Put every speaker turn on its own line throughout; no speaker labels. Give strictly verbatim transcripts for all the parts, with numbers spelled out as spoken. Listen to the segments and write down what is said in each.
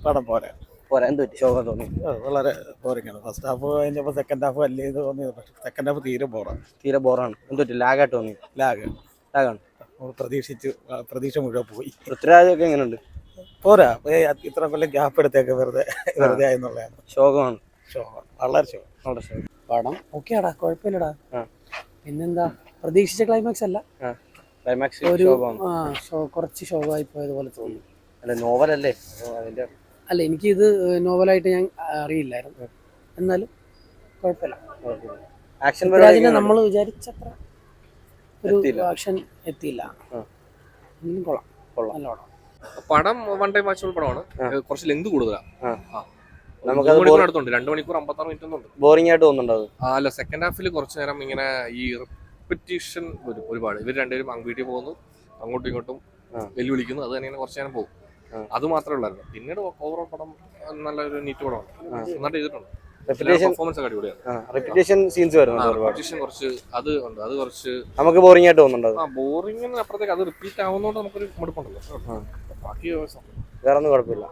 പടം പോരാ
പോരാ എന്ത് പറ്റി ശോകം തോന്നി?
വളരെ ബോറിംഗാണ്. ഫസ്റ്റ് ഹാഫ് കഴിഞ്ഞപ്പോൾ സെക്കൻഡ് ഹാഫ് വലിയ ഇത് തോന്നിയത്, പക്ഷേ സെക്കൻഡ് ഹാഫ് തീരെ ബോറാണ്.
തീരെ ബോറാണ്. എന്ത് പറ്റി? ലാഗായിട്ട് തോന്നി?
ലാഗ്
ലാഗാണ്.
പ്രതീക്ഷിച്ച് പ്രതീക്ഷ മുഴുവൻ പോയി.
പൃഥ്വിരാജൊക്കെ എങ്ങനെയുണ്ട്?
പോരാ, ഇത്ര കൊല്ലം ഗ്യാപ്പ് എടുത്തേക്ക് വെറുതെ വെറുതെ ആയെന്നുള്ളതാണ്.
ശോകമാണ്.
ശോകം, വളരെ ശോകം.
വളരെ ശോകം.
പടം ഓക്കെയാടാ, കുഴപ്പമില്ലടാ. പിന്നെന്താ, പ്രതീക്ഷിച്ച ക്ലൈമാക്സ് അല്ല,
ക്ലൈമാക്സ്
ഒരു കുറച്ച് ശോകമായി പോയതുപോലെ തോന്നി.
അല്ല, നോവലല്ലേ അതിന്റെ?
അല്ല, എനിക്കിത് നോവലായിട്ട് ഞാൻ അറിയില്ലായിരുന്നു. എന്നാലും കുഴപ്പമില്ല.
ആക്ഷൻ
നമ്മൾ വിചാരിച്ചത്ര ഒരു ആക്ഷൻ എത്തിയില്ല. കൊള്ളാം കൊള്ളാം നല്ല പടം.
പടം വൺ ടൈം വാച്ചബിൾ പടമാണ്. കുറച്ച് ലെങ്ത് കൂടുതലാണ്.
നമുക്ക്
അടുത്തുണ്ട്, രണ്ട് മണിക്കൂർ അമ്പത്താറ് മിനിറ്റ് ഒന്നും
ബോറിംഗ് ആയിട്ട് തോന്നുന്നുണ്ടോ?
അല്ല, സെക്കൻഡ് ഹാഫിൽ കുറച്ച് നേരം ഇങ്ങനെ ഈ റിപ്പറ്റീഷൻ വരും ഒരുപാട്. ഇവർ രണ്ടുപേരും വീട്ടിൽ പോകുന്നു, അങ്ങോട്ടും ഇങ്ങോട്ടും വെല്ലുവിളിക്കുന്നു, അത് തന്നെ കുറച്ച് നേരം പോകും. അത് മാത്രമേ ഉള്ളായിരുന്നു. പിന്നീട് ഓവറോൾ പടം നല്ലൊരു നീറ്റ് പടമാണ്, നന്നായിട്ട് ചെയ്തിട്ടുണ്ട്. പെർഫോമൻസ് ഒക്കെ അടിപൊളിയാണ്.
റിപ്പീറ്റേഷൻ സീൻസ് വരുന്നുണ്ട്,
കുറച്ച് അത് ഉണ്ട്, അത് കുറച്ച്
നമുക്ക് ബോറിംഗ് ആയിട്ട് തോന്നുന്നുണ്ടോ?
ആ ബോറിംഗിന് അപ്പുറത്തേക്ക് അത് റിപ്പീറ്റ് ആവുന്നതുകൊണ്ട് നമുക്കൊരു മടുപ്പുണ്ടല്ലോ. ബാക്കി
വേറെ ഒന്നും കുഴപ്പമില്ല.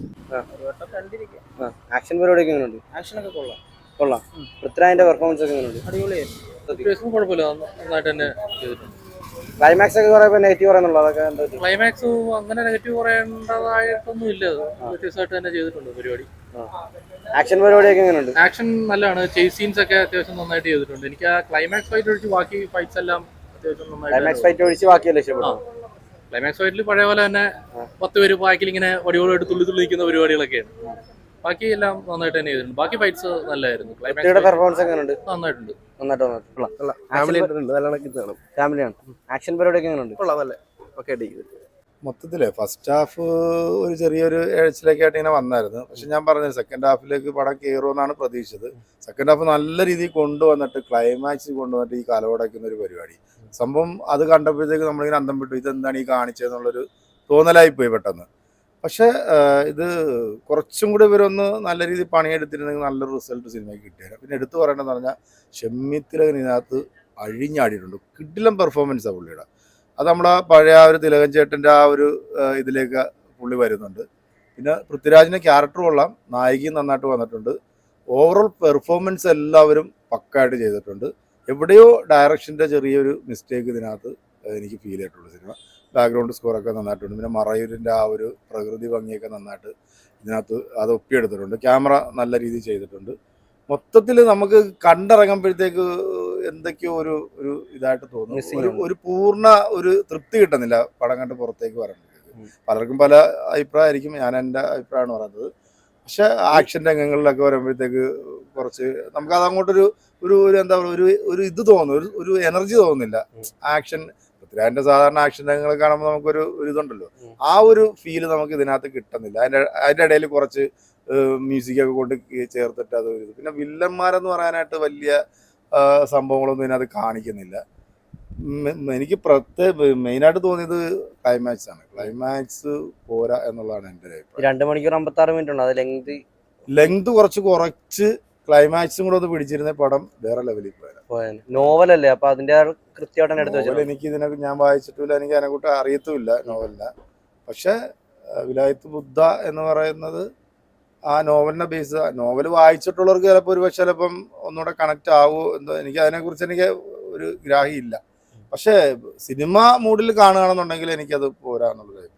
ആക്ഷൻ പരിപാടിയൊക്കെ എങ്ങനെയുണ്ട്?
ആക്ഷനൊക്കെ കൊള്ളാം
കൊള്ളാം. പൃഥ്വിരാജിന്റെ പെർഫോമൻസ് ഒക്കെ എങ്ങനെയുണ്ട്?
അടിപൊളിയായിരുന്നു.
കുഴപ്പമില്ല, നന്നായിട്ട് തന്നെ ചെയ്തിട്ടുണ്ട്.
ക്ലൈമാക്സ് ഒക്കെ കുറെ നെഗറ്റീവ് പറയുന്നുള്ളൂ, അതൊക്കെ എന്താ?
ക്ലൈമാക്സ് അങ്ങനെ നെഗറ്റീവ് പറയേണ്ടതായിട്ടൊന്നും ഇല്ല, വ്യത്യസ്തമായിട്ട് തന്നെ ചെയ്തിട്ടുണ്ട് പരിപാടി.
ആക്ഷൻ പരിപാടിയൊക്കെ എങ്ങനെയുണ്ട്?
ആക്ഷൻ നല്ലതാണ്. ചേസ് സീൻസ് ഒക്കെ അത്യാവശ്യം നന്നായിട്ട് ചെയ്തിട്ടുണ്ട്. എനിക്ക് ആ ക്ലൈമാക്സ് ഫൈറ്റ് ഒഴിച്ച് ബാക്കി ഫൈറ്റ്സ് എല്ലാം അത്യാവശ്യം നന്നായിട്ട്.
ക്ലൈമാക്സ് ഫൈറ്റ് ഒഴിച്ച് ബാക്കിയല്ലേ ഇഷ്ടപ്പെട്ടു?
ക്ലൈമാക്സ് ഫൈറ്റിൽ പഴയ പോലെ തന്നെ പത്ത് പേര് ബാക്കിൽ ഇങ്ങനെ വടിയോടായിട്ട് തുള്ളി തുള്ളി നിൽക്കുന്ന പരിപാടികളൊക്കെയാണ്. ബാക്കി എല്ലാം നന്നായിട്ട് തന്നെ ചെയ്തിട്ടുണ്ട്. ബാക്കി ഫൈറ്റ്സ് നല്ലതായിരുന്നു.
പെർഫോമൻസ് എങ്ങനെയുണ്ട്?
നന്നായിട്ടുണ്ട്.
ഫാമിലിയാണ്. ആക്ഷൻ പരിപാടിയൊക്കെ എങ്ങനെയുണ്ട്?
മൊത്തത്തില് ഫസ്റ്റ് ഹാഫ് ഒരു ചെറിയൊരു എഴച്ചിലേക്കായിട്ട് ഇങ്ങനെ വന്നായിരുന്നു. പക്ഷെ ഞാൻ പറഞ്ഞത് സെക്കൻഡ് ഹാഫിലേക്ക് പടം കയറുമെന്നാണ് പ്രതീക്ഷിച്ചത്. സെക്കൻഡ് ഹാഫ് നല്ല രീതിയിൽ കൊണ്ടുവന്നിട്ട് ക്ലൈമാക്സ് കൊണ്ടുവന്നിട്ട് ഈ കലവടക്കുന്ന ഒരു പരിപാടി സംഭവം അത് കണ്ടപ്പോഴത്തേക്ക് നമ്മളിങ്ങനെ അന്തം വിട്ടു, ഇതെന്താണ് ഈ കാണിച്ചതെന്നുള്ളൊരു തോന്നലായിപ്പോയി പെട്ടെന്ന്. പക്ഷെ ഇത് കുറച്ചും കൂടി ഇവരൊന്ന് നല്ല രീതിയിൽ പണിയെടുത്തിരുന്നെങ്കിൽ നല്ലൊരു റിസൾട്ട് സിനിമയ്ക്ക് കിട്ടിയത്. പിന്നെ എടുത്തു പറയേണ്ടതെന്ന് പറഞ്ഞാൽ ഷെമ്മിത്തിലകൻ ഇതിനകത്ത് അഴിഞ്ഞാടിയിട്ടുണ്ട്. കിടിലം പെർഫോമൻസാണ് പുള്ളിയുടെ. അത് നമ്മുടെ പഴയ ആ ഒരു തിലകൻ ചേട്ടൻ്റെ ആ ഒരു ഇതിലേക്ക് പുള്ളി വരുന്നുണ്ട്. പിന്നെ പൃഥ്വിരാജിൻ്റെ ക്യാരക്ടർ കൊള്ളാം, നായികയും നന്നായിട്ട് വന്നിട്ടുണ്ട്. ഓവറോൾ പെർഫോമൻസ് എല്ലാവരും പക്കായിട്ട് ചെയ്തിട്ടുണ്ട്. എവിടെയോ ഡയറക്ഷൻ്റെ ചെറിയൊരു മിസ്റ്റേക്ക് ഇതിനകത്ത് എനിക്ക് ഫീൽ ചെയ്തിട്ടുള്ളൂ. സിനിമ ബാക്ക്ഗ്രൗണ്ട് സ്കോറൊക്കെ നന്നായിട്ടുണ്ട്. പിന്നെ മറയൂരിൻ്റെ ആ ഒരു പ്രകൃതി ഭംഗിയൊക്കെ നന്നായിട്ട് ഇതിനകത്ത് അത് ഒപ്പിയെടുത്തിട്ടുണ്ട്. ക്യാമറ നല്ല രീതിയിൽ ചെയ്തിട്ടുണ്ട്. മൊത്തത്തിൽ നമുക്ക് കണ്ടിറങ്ങുമ്പോഴത്തേക്ക് എന്തൊക്കെയോ ഒരു ഒരു ഇതായിട്ട് തോന്നുന്നു. ഒരു ഒരു പൂർണ്ണ ഒരു തൃപ്തി കിട്ടുന്നില്ല പടം കണ്ട് പുറത്തേക്ക് പറയുമ്പോഴത്തേക്ക്. പലർക്കും പല അഭിപ്രായമായിരിക്കും, ഞാൻ എൻ്റെ അഭിപ്രായമാണ് പറയുന്നത്. പക്ഷെ ആക്ഷൻ രംഗങ്ങളിലൊക്കെ വരുമ്പോഴത്തേക്ക് കുറച്ച് നമുക്ക് അത് അങ്ങോട്ടൊരു ഒരു എന്താ പറയുക ഒരു ഒരു ഇത് തോന്നുന്നു, ഒരു ഒരു എനർജി തോന്നുന്നില്ല. ആക്ഷൻ പൃഥ്വിരാജിന്റെ സാധാരണ ആക്ഷൻ രംഗങ്ങൾ കാണുമ്പോൾ നമുക്കൊരു ഒരു ഇതുണ്ടല്ലോ, ആ ഒരു ഫീല് നമുക്ക് ഇതിനകത്ത് കിട്ടുന്നില്ല. അതിൻ്റെ അതിൻ്റെ ഇടയിൽ കുറച്ച് മ്യൂസിക്കൊക്കെ കൊണ്ട് ചേർത്തിട്ട് അത് ഒരു പിന്നെ വില്ലന്മാരെന്ന് പറയാനായിട്ട് വലിയ സംഭവങ്ങളൊന്നും ഇതിനകത്ത് കാണിക്കുന്നില്ല. എനിക്ക് പ്രത്യേക മെയിനായിട്ട് തോന്നിയത് ക്ലൈമാക്സ് ആണ്. ക്ലൈമാക്സ് പോരാ എന്നുള്ളതാണ് എൻ്റെ ഒരു അഭിപ്രായം.
രണ്ട് മണിക്കൂർ അമ്പത്താറ് മിനിറ്റ് ഉണ്ട്, അത് ലെങ്ത്
ലെങ്ത് കുറച്ച് കുറച്ച് ക്ലൈമാക്സും കൂടെ ഒന്ന് പിടിച്ചിരുന്ന പടം വേറെ ലെവലിൽ പോയാൽ.
നോവലല്ലേ, അപ്പൊ അതിന്റെ കൃത്യമായിട്ട് എടുത്ത് വെച്ചാൽ
എനിക്ക് ഇതിനെ ഞാൻ വായിച്ചിട്ടില്ല, എനിക്ക് അതിനെക്കുറിച്ച് അറിയത്തുമില്ല നോവലിനെ. പക്ഷെ വിലായത്ത് ബുദ്ധ എന്ന് പറയുന്നത് ആ നോവലിനെ ബേസ്, നോവൽ വായിച്ചിട്ടുള്ളവർക്ക് ചിലപ്പോൾ ഒരു പക്ഷെ ചിലപ്പം ഒന്നുകൂടെ കണക്റ്റ് ആവുമോ എന്തോ, എനിക്ക് അതിനെക്കുറിച്ച് എനിക്ക് ഒരു ഗ്രാഹ്യമില്ല. പക്ഷേ സിനിമ മൂഡിൽ കാണുകയാണെന്നുണ്ടെങ്കിൽ എനിക്കത് പോരാ എന്നുള്ളത്.